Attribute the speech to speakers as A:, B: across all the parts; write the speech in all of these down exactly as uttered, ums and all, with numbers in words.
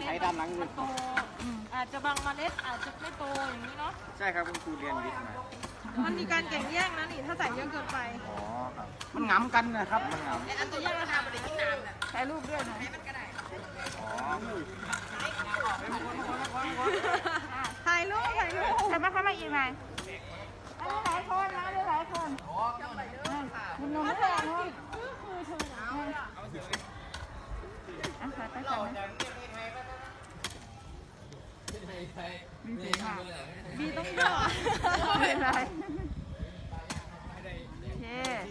A: ช้ด้านหลัง
B: มันโตอาจจะบางเมล็ดอาจจะไม่โตอย่างนี้เนาะ
A: ใช่ครับคุณครูเรียนวิทย์มา
B: มันมีการแข่งแย่งนะนี่ถ้าใส่เยอะเกินไป
A: อ๋อครับมันงำกันนะครับมันงำ
B: อันตัวแย่งราคาไม่ได้กินน้ำนะถ่ายรูปด้วยนะ
A: อ๋อ
B: ถ่ายรูปถ่ายรูป
C: แต่มาเข้ามาอีกไหมอันนี้หลายคนนะหลายคนคุณนุ่มไม่แพงเนาะอ่ะขอไปก่อนนะบีต้องย่อไม่เป็นไรโอเค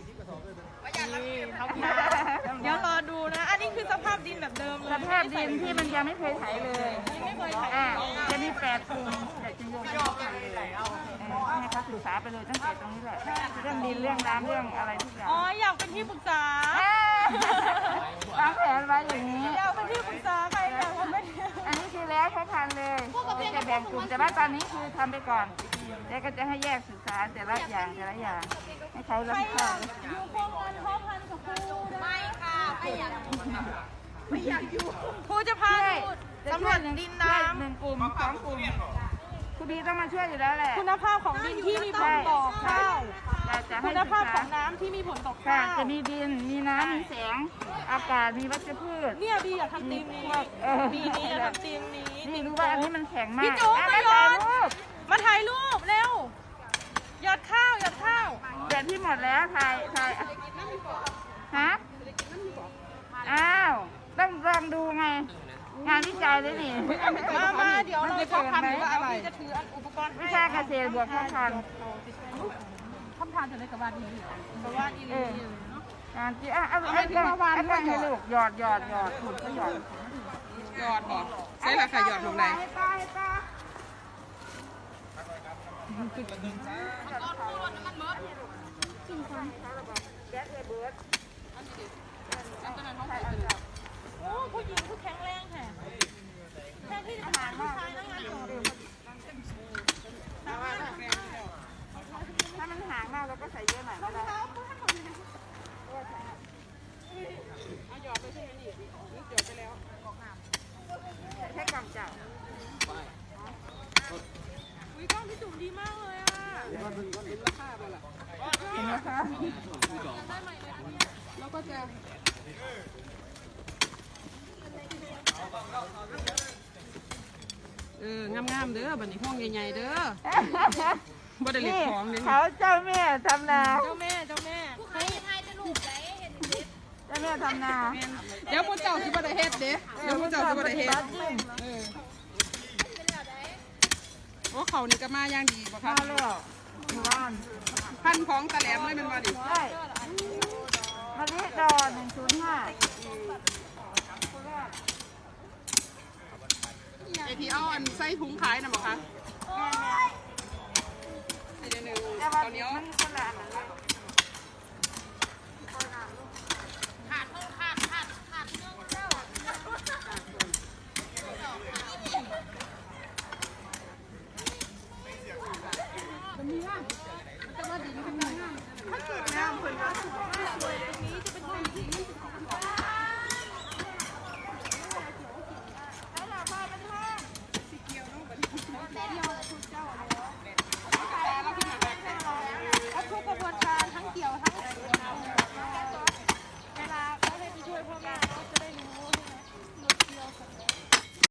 B: เดี๋ยวรอดูนะ อันนี้คือสภาพดินแบบเดิมเลย
C: สภาพดินที่มันยังไม่เคยไถเลย
B: ไม่เคยถ่าย
C: อ่าจะมีแปดกลุ่มแต่จะโยงย่อไปเลยให้เขาศึกษาไปเลยตั้งแต่ตรงนี้แหละเรื่องดินเรื่องน้ำเรื่องอะไรทุกอย่าง
B: อ๋ออยากเป็นที่ปรึกษา
C: วางแผนไว้อย่างนี้
B: อยากเป็นที่ปรึกษาใครอยากทำไม่ได้
C: อันนี้คือแล้วเขาทันเลยจะแบ่งกลุ่มแต่ว่าตอนนี้คือทำไปก่อนแล้วก็จะให้แยกศึกษาแต่ละอย่างแต่ละอย่างให้เขารับผิดชอบ
B: อยู่โครงการพ่อพันกับครูไม่ค่ะไม่อยากไม่อยากอยู่ครูจะพาดูสำรวจดินน้
C: หนึ่งกลุ่มสองกลุ่มคุณดีต้องมาช่วยอยู่แล้วแหละ
B: ำคุณภาพของดินที่มีผลต่อข้าว
C: จะให้
B: คุณภาพของน้ำที่มีผลต่อ
C: ค่ะ
B: ข้าว
C: จะมีดินมีน้ำมีแสงอากาศมีวัชพืช
B: เนี่ยบีอยากทำทีมนี้
C: เออ
B: บีนี้อยากทำทีมนี้
C: นี่รู้ว่าอันนี้มันแข็งมาก
B: พี่โจ๊ก
C: อ่ะ
B: มา
C: ถ่าย
B: หยอด
C: รูป
B: มาถ่ายรูปเร็วหยอดข้าวหยอดข้าว
C: เดี๋ยวที่หมดแล้วถ่ายถ่ายฮะอ้าวต้องลองดูไง งานวิจัยเลยนี่
B: มามาเดี๋ยวเราจะทำหรือว่าอะไรจะถืออุปกรณ์
C: วิชาเกษตรบวกข้าวพันธุ์
B: คำทานจะได้กับว่าดีกับว่าดี
C: เออ งานที่อ่ะเอาเอากล้องเอากล้องให้ลูกหยอดหยอดหยอดถูกก็หยอด
B: หยอดบอกใช่ราคาหยอดลงไหน
C: ให้ป้าให้ป้า
B: โอ้ผู้หญิงผู้แข็งแรงแท้แทนที่จะหาผู้ชายนั่งงานต่อ
C: ถ้ามันห่างมากเราก็ใส่เยอะหน่อยก็ได้ใช้กล่องจับ
B: อุ้ยกล้องพี่จุ๋มดีมากเลยอ่ะ
C: เห็นไหมคะ
B: แล้วก็จะ
D: เอองามๆเด้อบัดนี้ห้องใหญ่ๆเด้อบ่ได้เล็ก
C: นี่
D: ของนี่
C: เขาเจ้าแม่ทำนา
B: เจ้าแม่เจ้าแม่
C: เจ้าแม่ทำนา
D: เดี๋ยวพวกเจ้าสิบ่ได้เฮ็ดเด้เดี๋ยวพวกเจ้าสิบ่ได้เฮ็ดเออโอ้เขานี่ก็มาอย่างดีบ่คะ
C: มาแล้วหมู่บ้าน
D: พันของตะแหลมเลยแมันบ่ดิ
C: ใช่มะลิดอหนึ่งศูนย์ห้า
D: ไอ้ที่เอาอันใส่ถุงขายน่ะบ่คะไอ้เดี๋ยวนึง
C: แต่ว่า
D: ตอนนี้
C: มัน